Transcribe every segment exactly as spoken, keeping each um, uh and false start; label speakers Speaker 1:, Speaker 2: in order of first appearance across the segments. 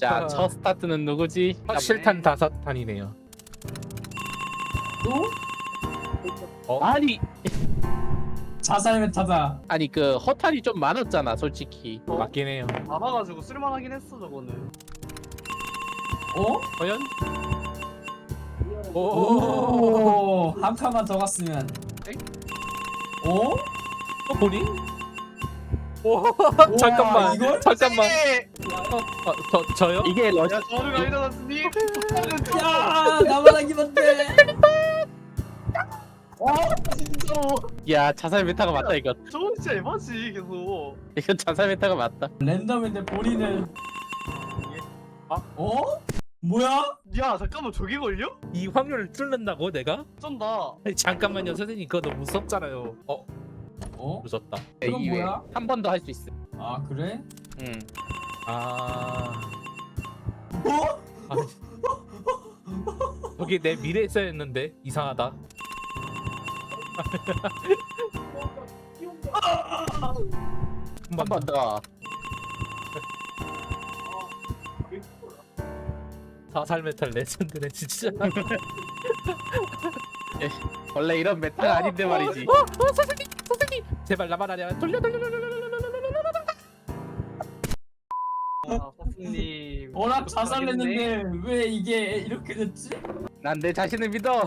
Speaker 1: 자, 첫 스타트는 누구지?
Speaker 2: 실탄 다섯 탄이네요.
Speaker 3: 또?
Speaker 2: 어?
Speaker 1: 아니,
Speaker 3: 자살 메타다.
Speaker 1: 아니 그 허탄이 좀 많았잖아, 솔직히.
Speaker 2: 어? 맞긴 해요.
Speaker 4: 잡아가지고 쓸만하긴 했어 저거는.
Speaker 3: 어?
Speaker 2: 과연? 오.
Speaker 3: 오, 한 칸만 더 갔으면. 어?
Speaker 2: 또 본인? 오.
Speaker 3: 우와,
Speaker 2: 잠깐만.
Speaker 3: 이걸?
Speaker 2: 잠깐만.
Speaker 4: 네.
Speaker 2: 어, 어, 저 저요?
Speaker 1: 이게 러시
Speaker 4: 야 저르가 일어났으니.
Speaker 3: 야, 나만 하기만 돼.
Speaker 4: 와 진짜로.
Speaker 1: 야, 자살 메타가 맞다 이거.
Speaker 4: 저건 진짜 에바지 계속.
Speaker 1: 이건 자살 메타가 맞다.
Speaker 3: 랜덤인데 본인은.
Speaker 2: 아?
Speaker 3: 어? 뭐야?
Speaker 4: 야 잠깐만 저게 걸려?
Speaker 2: 이 확률을 뚫는다고 내가?
Speaker 4: 쩐다.
Speaker 2: 아니, 잠깐만요 선생님 그거 너무 무섭잖아요. 어
Speaker 3: 어?
Speaker 2: 무섭다.
Speaker 3: 그건 뭐야?
Speaker 1: 한 번 더 할 수 있어.
Speaker 3: 아, 그래?
Speaker 1: 응.
Speaker 2: 아.
Speaker 3: 어?
Speaker 2: 아. 저기 내 미래에 써였는데 이상하다.
Speaker 1: 한 번 더.
Speaker 2: 사살 메탈 레전드네 진짜.
Speaker 1: 원래 이런 메타가 아닌데 말이지.
Speaker 2: 어, 어, 어, 선생님, 선생님, 제발 나만 아니야. 돌려, 돌려, 돌려, 돌려, 돌려, 돌려, 돌려.
Speaker 4: 아 사스님.
Speaker 3: 워낙 자살했는데 왜 이게 이렇게 됐지?
Speaker 1: 난 내 자신을 믿어.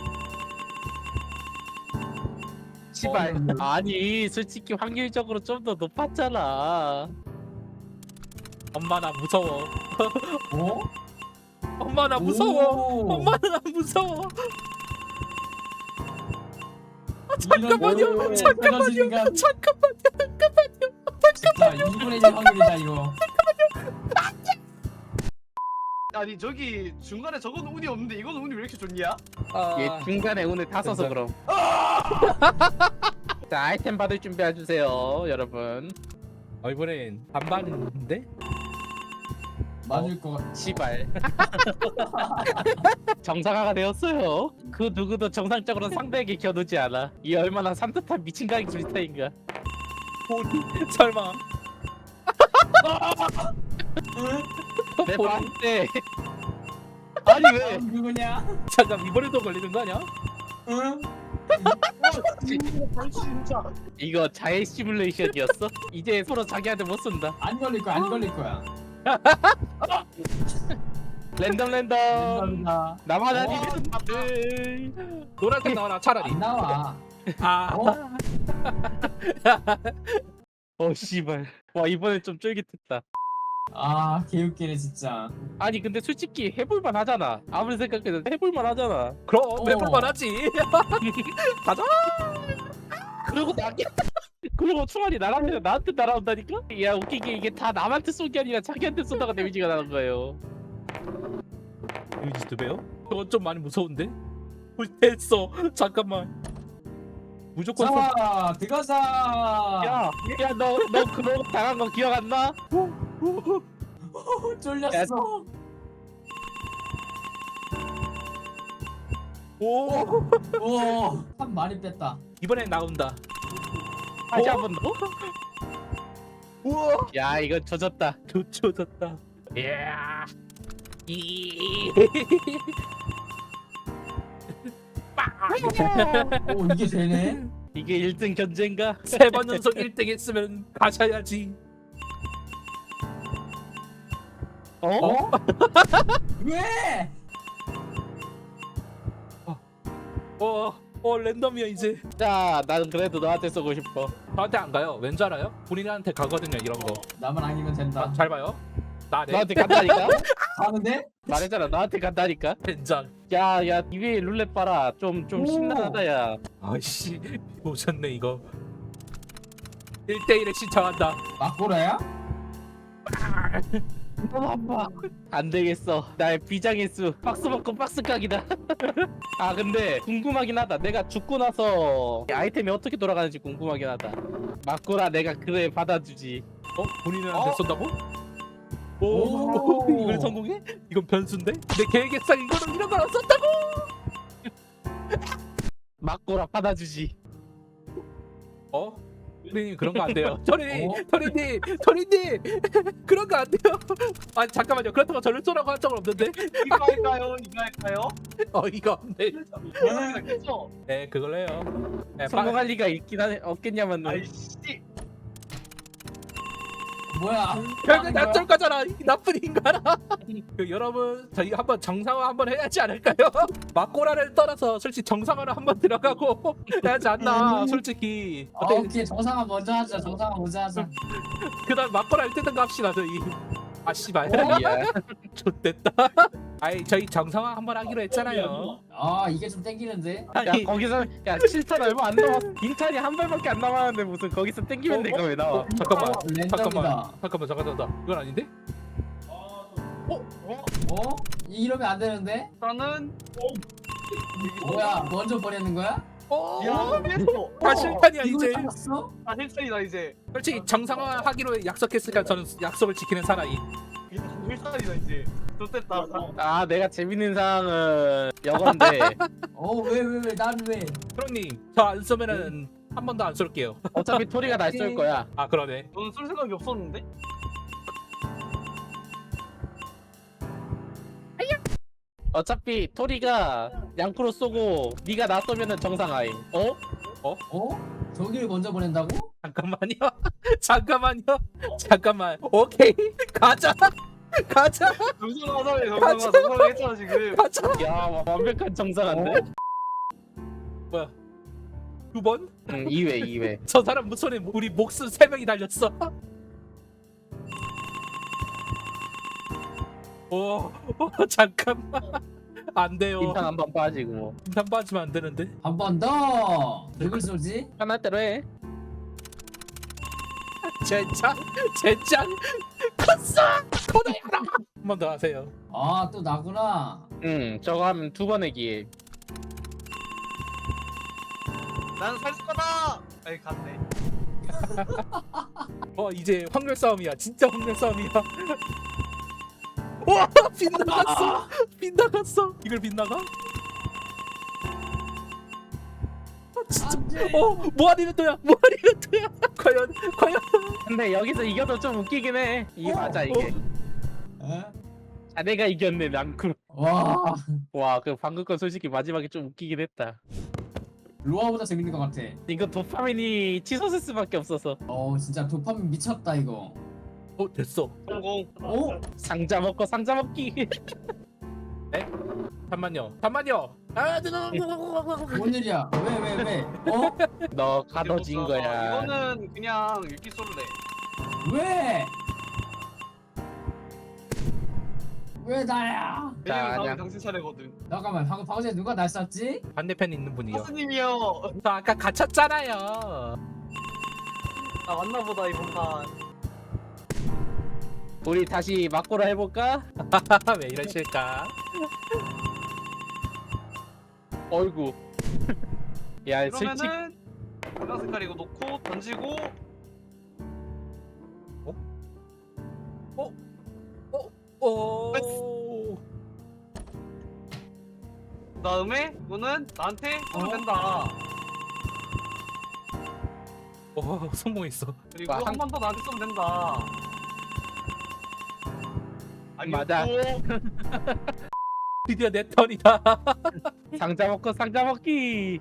Speaker 1: 시발.
Speaker 3: 어,
Speaker 1: 아니, 솔직히 확률적으로 좀 더 높았잖아.
Speaker 2: 엄마 나 무서워.
Speaker 3: 어?
Speaker 2: 엄마 나 무서워.
Speaker 3: 오.
Speaker 2: 엄마 나 무서워. 아,
Speaker 3: 잠깐만요.
Speaker 2: 잠깐만요. 잠깐만요. 잠깐만요. 잠깐만요.
Speaker 3: 진짜 이분의 일 확률이다 이거.
Speaker 4: 아니 저기 중간에 저건 운이 없는데 이건 운이 왜 이렇게 좋냐?
Speaker 2: 아,
Speaker 1: 얘 중간에 운을 다 써서 그럼. 자, 아이템 받을 준비해 주세요, 여러분.
Speaker 2: 어, 이번엔 반반인데?
Speaker 3: 맞을 것 같아.
Speaker 1: 시발. 정상화가 되었어요. 그 누구도 정상적으로 상대에게 겨누지 않아. 이 얼마나 산뜻한 미친 가기 불타인가.
Speaker 2: 본인 설마.
Speaker 1: 내
Speaker 2: 본인?
Speaker 1: 봤는데. 아니 왜?
Speaker 3: 다음 누구냐?
Speaker 2: 잠깐 이번에도 걸리는 거 아니야?
Speaker 3: 응?
Speaker 4: 진짜.
Speaker 1: 이거 자해 시뮬레이션이었어? 이제 서로 자기한테 못 쏜다.
Speaker 3: 안 걸릴 거야. 안 걸릴 거야.
Speaker 1: 랜덤 랜덤.
Speaker 3: 감사합니다.
Speaker 1: 나만
Speaker 3: 어?
Speaker 1: 아니면 돼.
Speaker 2: 노란색 나와라 차라리.
Speaker 3: 안 나와.
Speaker 2: 아,
Speaker 3: 어?
Speaker 1: 어 씨발. 와 이번엔 좀 쫄깃했다.
Speaker 3: 아, 개웃기네 진짜.
Speaker 1: 아니 근데 솔직히 해볼만 하잖아. 아무리 생각해도 해볼만 하잖아.
Speaker 2: 그럼
Speaker 3: 어.
Speaker 2: 해볼만 하지. 가자.
Speaker 1: 그리고 나 그리고 총알이 날아오면 나한테 날아온다니까? 야 웃기게 이게 다 남한테 쏜 게 아니라 자기한테 쏘다가 데미지가 나는 거예요.
Speaker 2: 유지 두 배요? 저건 좀 많이 무서운데? 어, 됐어. 잠깐만. 무조건 선...
Speaker 3: 자, 들어가자.
Speaker 1: 야, 야 너 너 그거 당한 거 기억 안 나?
Speaker 3: 어, 쫄렸어.
Speaker 2: 오.
Speaker 3: 오, 한 많이 뺐다.
Speaker 2: 이번엔 나온다.
Speaker 1: 다시
Speaker 2: 어?
Speaker 1: 한 번 더.
Speaker 2: 우와.
Speaker 1: 야 이거 젖었다.
Speaker 2: 좋쳐졌다. 이야. 이.
Speaker 3: 오, 이게 되네.
Speaker 1: 이게 일 등 견제인가?
Speaker 2: 세 번 연속 일 등 했으면 가셔야지.
Speaker 1: 어?
Speaker 3: 어? 왜?
Speaker 2: 어, 어 랜덤이야 이제.
Speaker 1: 자, 나는 그래도 너한테 쏘고 싶어.
Speaker 2: 저한테 안 가요. 왠 줄 알아요? 본인한테 가거든요 이런 거.
Speaker 3: 나만 아니면 된다.
Speaker 2: 아, 잘 봐요. 나네.
Speaker 1: 너한테 간다니까?
Speaker 3: 가는데?
Speaker 1: 말했잖아, 너한테 간다니까?
Speaker 2: 된장.
Speaker 1: 야, 야, 이 위에 룰렛 봐라. 좀, 좀
Speaker 3: 오.
Speaker 1: 심란하다, 야.
Speaker 2: 아이씨 오셨네 이거. 일 대 일에 신청한다.
Speaker 3: 막고라야?
Speaker 1: 너무 아파. 안 되겠어. 나의 비장의 수. 박스 먹고 박스 각이다. 아, 근데 궁금하긴 하다. 내가 죽고 나서 아이템이 어떻게 돌아가는지 궁금하긴 하다. 맞구라, 내가 그래 받아주지.
Speaker 2: 어? 본인한테
Speaker 3: 어?
Speaker 2: 쏜다고? 오,
Speaker 3: 오.
Speaker 2: 이걸 성공해? 이건 변수인데? 내 계획상 이거는 이런 거안 썼다고!
Speaker 1: 맞구라 받아주지.
Speaker 2: 어? 토리님 그런 거 안 돼요. 토리님,
Speaker 3: 어?
Speaker 2: 토리님, 토리님 그런 거 안 돼요. 아 잠깐만요. 그렇다고 저를 쏘라고 한 적은 없는데.
Speaker 4: 이거 할까요? 이거 할까요?
Speaker 2: 어 이거 없네.
Speaker 4: 그래서
Speaker 2: 네 그걸로 해요. 네, 빠-
Speaker 1: 성공할 리가 있긴 하네 없겠냐만.
Speaker 4: 아이씨.
Speaker 3: 뭐야?
Speaker 2: 결국 나쏠 거잖아 이 나쁜 인간아. 그, 여러분 저희 한번 정상화 한번 해야지 않을까요? 막고라를 떠나서 솔직히 정상화를 한번 들어가고 해야지 않나 솔직히.
Speaker 3: 아,
Speaker 2: 어때
Speaker 3: 오케이 정상화 먼저 하자. 정상화 먼저 하자.
Speaker 2: 그다음 막고라를 뜯든가 합시다 저희. 아 씨발
Speaker 1: 야.
Speaker 2: 좋됐다. 아이 저희 정상화 한번 하기로 했잖아요.
Speaker 3: 아 이게 좀 땡기는데.
Speaker 1: 야
Speaker 2: 아니
Speaker 1: 거기서 야 칠 탄 얼마 안 남았어. 빙탄이 한 발밖에 안 남았는데 무슨 거기서 땡기면
Speaker 2: 어,
Speaker 1: 내가 왜 나와?
Speaker 2: 잠깐만
Speaker 3: 랜덤이다.
Speaker 2: 잠깐만 잠깐만 잠깐만 잠깐만 이건 아닌데?
Speaker 3: 어? 이러면 안 되는데?
Speaker 4: 일단은
Speaker 3: 뭐야? 먼저 버리는 거야?
Speaker 2: 어?
Speaker 4: 야, 됐어.
Speaker 2: 다 실탄이야
Speaker 3: 이걸
Speaker 2: 이제.
Speaker 3: 잡았어?
Speaker 4: 아, 힐탄이다 이제.
Speaker 2: 솔직히 정상화 하기로 약속했으니까 저는 약속을 지키는 사나이.
Speaker 4: 힐탄이다 이제. 좋됐다.
Speaker 1: 아 내가 재밌는 상황은 여건데
Speaker 3: 어 왜 왜 왜 난 왜?
Speaker 2: 프로님 저 안 쏘면은 한 번도 안 쏠게요.
Speaker 1: 어차피 토리가 날 쏠 거야.
Speaker 2: 아 그러네.
Speaker 4: 너는 쏠 생각이 없었는데?
Speaker 1: 어차피 토리가 양프로 쏘고 네가 나 쏘면은 정상아임. 어?
Speaker 3: 어? 저기를 먼저 보낸다고?
Speaker 2: 잠깐만요. 잠깐만요. 잠깐만. 오케이 가자. 가자.
Speaker 4: 정상화사회 정상화 정상화 했잖아 지금.
Speaker 2: 가자.
Speaker 1: 야 완벽한 정상한데?
Speaker 2: 뭐야? 두 번?
Speaker 1: 응 이 회 이 회.
Speaker 2: 저 사람 무선에 우리 목숨 세 명이 달렸어. 오, 오 잠깐만. 안 돼요.
Speaker 1: 빙탄 한 번 빠지고 뭐.
Speaker 2: 빈탄 빠지면 안 되는데.
Speaker 3: 한 번 더. 누굴 쏘지?
Speaker 1: 편할 대로 해.
Speaker 2: 젠장, 젠장, 컸어. 코너야라. 한 번 더 하세요.
Speaker 3: 아 또 나구나.
Speaker 1: 응 저거 하면 두 번의 기회.
Speaker 4: 나는 살 거다. 아니 갔네.
Speaker 2: 어 이제 확률 싸움이야. 진짜 확률 싸움이야. 와 빗나갔어. 빗나갔어. 이걸 빗나가? 아, 진짜.
Speaker 3: 안돼.
Speaker 2: 어 무한이벤트야. 무한이벤트야. 과연 과연.
Speaker 1: 근데 여기서 이겨도 좀 웃기긴 해. 이게
Speaker 2: 어,
Speaker 1: 맞아 이게.
Speaker 3: 어?
Speaker 1: 아 내가 이겼네 랑쿠.
Speaker 3: 와
Speaker 1: 와그 방금 건 솔직히 마지막에 좀 웃기긴 했다.
Speaker 3: 로아보다 재밌는 것 같아.
Speaker 1: 이거 도파민이 치솟을 수밖에 없어서.
Speaker 3: 어 진짜 도파민 미쳤다 이거.
Speaker 2: 어 됐어.
Speaker 4: 성공.
Speaker 3: 어?
Speaker 1: 상자 먹고 상자 먹기.
Speaker 2: 잠만요. 잠만요. 아,
Speaker 3: 뭔 일이야? 왜 왜 왜? 어?
Speaker 1: 너 가둬진 거야.
Speaker 4: 이거는 그냥 읽기 쏠래.
Speaker 3: 왜? 왜 나야?
Speaker 1: 자,
Speaker 4: 왜냐면 다음에
Speaker 1: 그냥-
Speaker 4: 당신 차례거든.
Speaker 3: 잠깐만 방금 방금 전에 누가 날 쐈지?
Speaker 2: 반대편에 있는 분이요.
Speaker 4: 하스님이요.
Speaker 2: 저 아까 갇혔잖아요.
Speaker 4: 나 왔나보다 이번 판.
Speaker 1: 우리 다시 막고라 해볼까?
Speaker 2: 왜 이러실까?
Speaker 1: 어이구. 야 솔직.
Speaker 4: 그러면은 빨간 색깔 이거 놓고 던지고
Speaker 2: 오.
Speaker 4: 그다음에 이거는 나한테 쏘면
Speaker 3: 어?
Speaker 4: 된다.
Speaker 2: 오 성공했어.
Speaker 4: 그리고
Speaker 1: 와,
Speaker 4: 한
Speaker 1: 한-
Speaker 4: 번 더 나한테 쏘면 된다.
Speaker 1: 맞아.
Speaker 4: 아니었고
Speaker 2: 드디어 내 턴이다.
Speaker 1: 상자 먹고 상자 먹기.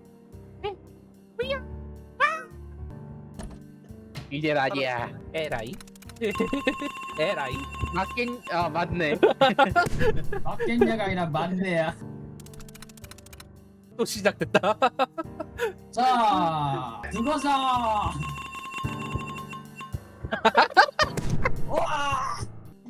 Speaker 1: 이제 아니야.
Speaker 2: 에라이. 에라이.
Speaker 1: 맞긴 아 맞네.
Speaker 3: 막갱냐가 아니라 만대야.
Speaker 2: 또 시작됐다.
Speaker 3: 자 죽어서. 와.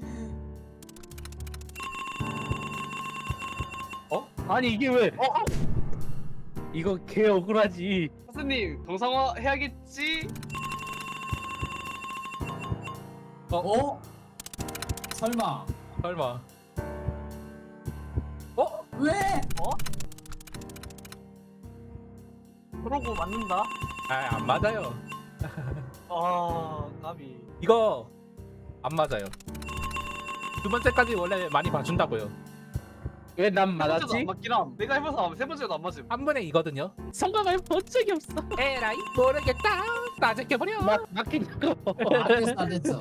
Speaker 1: 아니 이게 왜? 어? 이거 개 억울하지.
Speaker 4: 하스님 정상화 해야겠지?
Speaker 3: 어? 설마.
Speaker 2: 설마. 어?
Speaker 3: 왜?
Speaker 4: 그러고 맞는다.
Speaker 2: 아 안 맞아요.
Speaker 4: 아 까비.
Speaker 2: 이거 안 맞아요. 두 번째까지 원래 많이 봐준다고요.
Speaker 1: 왜 난
Speaker 4: 세 번째도
Speaker 1: 맞았지?
Speaker 4: 안 맞긴 함. 내가 해봐서 세 번째도 안 맞음.
Speaker 2: 한 번에 이거든요.
Speaker 1: 성공을 본 적이 없어.
Speaker 2: 에라이 모르겠다. 나제껴버려.
Speaker 1: 막 막히냐고.
Speaker 3: 어, 안 됐어 안 됐어.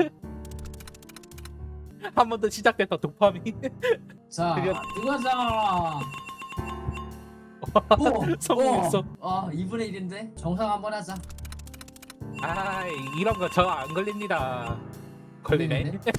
Speaker 2: 한 번 더 시작됐다 도파민.
Speaker 3: 자
Speaker 1: 그게-
Speaker 3: 이거잖아.
Speaker 2: 성공했어.
Speaker 3: 어 이분의 일인데 정상 한번 하자.
Speaker 2: 아 이런 거 저 안 걸립니다. 걸리네.
Speaker 3: 걸리는데?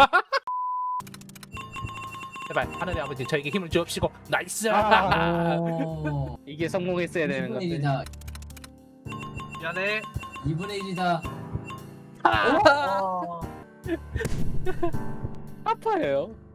Speaker 2: 제발 하늘의 아버지 저에게 힘을 주옵시고 나이스.
Speaker 1: 아.
Speaker 3: 오.
Speaker 1: 이게 성공했어야 되는
Speaker 3: 이분의
Speaker 1: 건데.
Speaker 3: 일이다.
Speaker 4: 미안해.
Speaker 3: 이분의 일이다.
Speaker 2: 아.
Speaker 4: 어.
Speaker 1: 아파요.